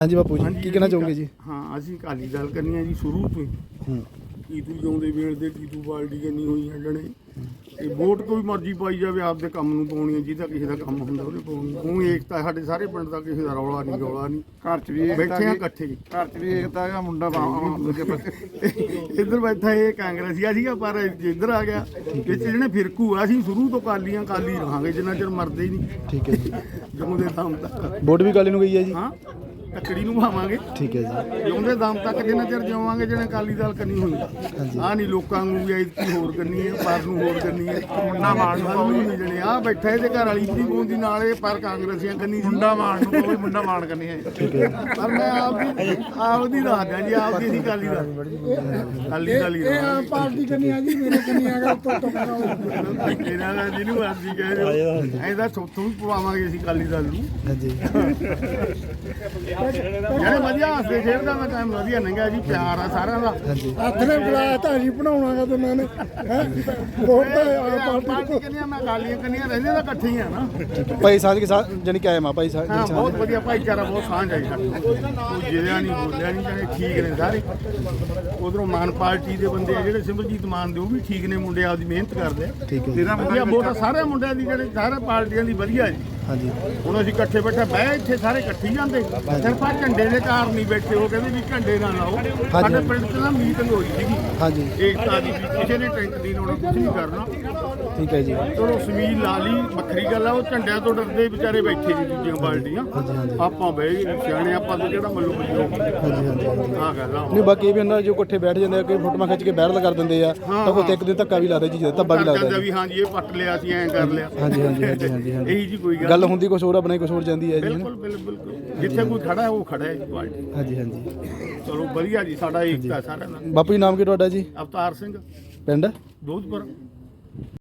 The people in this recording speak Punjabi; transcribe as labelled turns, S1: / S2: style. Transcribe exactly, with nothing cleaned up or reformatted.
S1: हाँ जी बापू जी
S2: ਹਾਂਜੀ,
S1: की कहना
S2: ਅਸੀਂ
S1: चाहोगे जी?
S2: ਹਾਂ ਅਸੀਂ ਅਕਾਲੀ ਦਲ ਕਰਨੀ ਆ ਜੀ ਸ਼ੁਰੂ ਤੋਂ ਹੀ।
S1: हम्म,
S2: ਕੀਤੂ ਜਿਉਂਦੇ ਵੇਲ ਦੇ ਕੀਤੂ ਬਾਲਟੀ ਕਰਨੀ ਹੋਈ ਹੈ ਜਣੇ ਤੇ ਵੋਟ ਕੋਈ ਮਰਜ਼ੀ ਪਾਈ ਜਾਵੇ ਆਪਦੇ ਕੰਮ ਨੂੰ ਪਾਉਣੀ ਹੈ, ਜਿਹਦਾ ਕਿਸੇ ਦਾ ਕੰਮ ਹੁੰਦਾ ਉਹਨੇ ਪਾਉਣੀ। ਉਹ ਏਕਤਾ ਸਾਡੇ ਸਾਰੇ ਪਿੰਡ ਦਾ, ਕਿਸੇ ਦਾ ਰੌਲਾ ਨਹੀਂ ਰੌਲਾ ਨਹੀਂ।
S3: ਘਰ ਚ ਵੀ
S2: ਬੈਠੇ ਆ ਇਕੱਠੇ ਹੀ।
S3: ਘਰ ਚ ਵੀ ਏਕਤਾ ਹੈਗਾ, ਮੁੰਡਾ ਬਾਹਾਂ ਦੂਜੇ ਪਾਸੇ
S2: ਇੱਧਰ ਬੈਠਾ ਇਹ ਕਾਂਗਰਸੀਆ ਸੀਗਾ, ਪਰ ਇੱਧਰ ਆ ਗਿਆ ਵਿੱਚ ਜਿਹੜੇ ਫਿਰਕੂ ਆ। ਅਸੀਂ ਸ਼ੁਰੂ ਤੋਂ ਕਾਲੀਆਂ ਕਾਲੀ ਰਹਾਂਗੇ ਜਿੰਨਾ ਚਿਰ ਮਰਦੇ ਹੀ ਨਹੀਂ,
S1: ठीक है जी।
S2: ਜਿਉਂਦੇ ਦਮ ਤੱਕ।
S1: वोट भी काली गई है जी?
S2: ਹਾਂ ਤੱਕੜੀ ਨੂੰ ਭਾਵਾਂਗੇ
S1: ठीक है जी।
S2: ਜਿਉਂਦੇ ਦਮ ਤੱਕ ਜਿੰਨਾ ਚਿਰ ਜਿਵਾਂਗੇ ਜਿਹਨੇ ਅਕਾਲੀ ਦਲ ਕਰਨੀ ਹੋਈ। ਆਹ ਨਹੀਂ ਲੋਕਾਂ ਨੂੰ ਵੀ ਐਤਕੀ ਹੋਰ ਕਰਨੀ ਹੈ, ਪਰ ਨੂੰ ਹੋਰ ਕਰਨੀ ਹੈ। ਮੁੰਡਾ ਮਾਰਨ ਨੂੰ ਨਹੀਂ ਜਣੇ ਆ ਬੈਠਾ ਇਹਦੇ ਘਰ ਵਾਲੀ ਵੀ ਬੋਂਦੀ ਨਾਲ ਇਹ ਪਰ ਕਾਂਗਰਸੀਆਂ ਕਰਨੀ ਸੀ।
S3: ਮੁੰਡਾ ਮਾਰਨ ਨੂੰ ਕੋਈ ਮੁੰਡਾ ਮਾਰਨ ਕਰਨੀ ਹੈ।
S2: ਪਰ ਮੈਂ ਆਪ ਦੀ ਆਪ ਦੀ ਦੱਸਦਾ ਜੀ, ਆਪ ਦੀ ਅਸੀਂ ਅਕਾਲੀ ਦਲ ਅਕਾਲੀ ਦਲ ਹੀ ਰਹਾਂਗੇ।
S3: ਪਾਰਟੀ ਕਰਨੀ ਆ ਜੀ, ਮੇਰੇ ਕਰਨੀ ਆਗਾ ਉੱਤੋਂ ਤੋਂ
S2: ਇਹਨਾਂ ਦਾ ਜਿਹਨੂੰ ਮਰਜ਼ੀ ਕਹਿ ਦਿਓ, ਐਂ ਤਾਂ ਸੋਥੋਂ ਵੀ ਪਵਾਵਾਂਗੇ ਅਸੀਂ ਅਕਾਲੀ ਦਲ ਨੂੰ।
S1: हाँ जी।
S2: ਜਿਹੜੇ ਵਧੀਆ ਹੱਸਦੇ ਖੇਡਦਾ ਦਾ ਟਾਈਮ ਵਧੀਆ ਲੰਘਿਆ ਜੀ, ਪਿਆਰ ਆ ਸਾਰਿਆਂ ਦਾ।
S1: हाँ जी।
S3: ਹੱਥ ਨੇ ਬੁਲਾਇਆ ਤਾਂ ਜੀ ਬਣਾਉਣਾਗਾ ਦੋਨਾਂ ਨੇ ਹੈ ਵੋਟ ਤਾਂ ਆਪ
S2: ਪਾਰਟੀ ਕੰਨੀਆਂ ਮੈਂ ਅਕਾਲੀਆਂ ਕੰਨੀਆਂ ਰਹਿੰਦੇ ਤਾਂ ਇਕੱਠੇ ਹੀ ਆ ਨਾ।
S1: भाई साहब के साथ जानी क्या है माँ भाई साहब
S2: ਹਾਂ ਬਹੁਤ ਵਧੀਆ ਭਾਈਚਾਰਾ, ਬਹੁਤ ਸਾਂਝ ਆਈ ਸਾਡੇ ਕੋਈ ਜਿਹੜਾ ਨਹੀਂ ਬੋਲਿਆ ਨਹੀਂ ਜਾਣੇ ਠੀਕ ਨੇ ਸਾਰੇ। ਉਧਰੋਂ ਮਾਨ ਪਾਰਟੀ ਦੇ ਬੰਦੇ ਆ ਜਿਹੜੇ ਸਿਮਰਜੀਤ ਮਾਨ ਦੇ, ਉਹ ਵੀ ਠੀਕ ਨੇ ਮੁੰਡੇ, ਆਪਦੀ ਮਿਹਨਤ ਕਰਦੇ ਆ।
S1: ठीक है।
S2: ਤੇਰਾ ਵਧੀਆ ਵੋਟ ਸਾਰੇ ਮੁੰਡਿਆਂ ਦੀ, ਜਿਹੜੇ ਸਾਰੇ ਪਾਰਟੀਆਂ ਦੀ ਵਧੀਆ ਜੀ।
S1: हाँ जी।
S2: ਹੁਣ ਅਸੀਂ ਇਕੱਠੇ ਬੈਠੇ ਬਹਿ ਇੱਥੇ ਸਾਰੇ ਇਕੱਠੇ ਹੀ ਜਾਂਦੇ, ਸਿਰਫ ਆਹ ਝੰਡੇ ਦੇ ਕਾਰਨ ਨਹੀਂ ਬੈਠੇ। ਉਹ ਕਹਿੰਦੇ ਵੀ ਝੰਡੇ ਨਾ ਲਾਓ। ਸਾਡੇ ਪਿੰਡ 'ਚ ਨਾ ਮੀਟਿੰਗ ਹੋਈ ਸੀਗੀ
S1: हाँ जी।
S2: ਏਕਤਾ ਦੀ, ਵੀ ਕਿਸੇ ਨੇ ਟੈਂਟ ਨਹੀਂ ਲਾਉਣਾ, ਕੁਝ ਨਹੀਂ ਕਰਨਾ।
S1: ठीक है जी।
S2: ਚਲੋ ਸਮੀਲ ਲਾ ਲਈ, ਵੱਖਰੀ ਗੱਲ ਆ। ਉਹ ਝੰਡਿਆਂ ਤੋਂ ਡਰਦੇ ਵਿਚਾਰੇ ਬੈਠੇ ਸੀ ਦੂਜੀਆਂ ਪਾਰਟੀਆਂ। ਆਪਾਂ ਬਹਿ ਗਏ ਸਿਆਣੇ, ਆਪਾਂ ਤੋਂ ਜਿਹੜਾ ਮੱਲੂ ਮੱਲੂ
S1: हाँ जी। हाँ जी।
S2: ਆਹ ਗੱਲ ਆ।
S1: नहीं बाकी ये भी अंदर जो इकट्ठे बैठ जाते हैं, कोई फोटो खिंच के वायरल कर देंगे या तो कोई एक दिन धक्का भी ला दे जी, धब्बा भी ला
S2: ਕਹਿੰਦਾ
S1: दे।
S2: ਵੀ ਹਾਂਜੀ ਇਹ ਪੱਟ ਲਿਆ ਸੀ, ਐਂ ਕਰ ਲਿਆ।
S1: हाँ जी। हाँ जी। हाँ जी। हाँ जी। हाँ जी।
S2: ਇਹੀ ਜੀ ਕੋਈ ਗੱਲ
S1: गल होंगी कुछ और, बनाई कुछ और जाती है जी।
S2: ਬਿਲਕੁਲ ਬਿਲਕੁਲ ਬਿਲਕੁਲ। ਜਿੱਥੇ ਕੋਈ ਖੜਾ ਹੈ ਉਹ ਖੜਾ ਹੈ ਜੀ ਪਾਰਟੀ।
S1: हाँ जी। हाँ जी।
S2: ਚਲੋ ਵਧੀਆ ਜੀ, ਸਾਡਾ ਏਕਤਾ ਸਾਰਿਆਂ ਦਾ।
S1: बापू जी नाम की ਤੁਹਾਡਾ जी?
S2: ਅਵਤਾਰ ਸਿੰਘ
S1: पिंड?
S2: ਦੋਧਪੁਰ।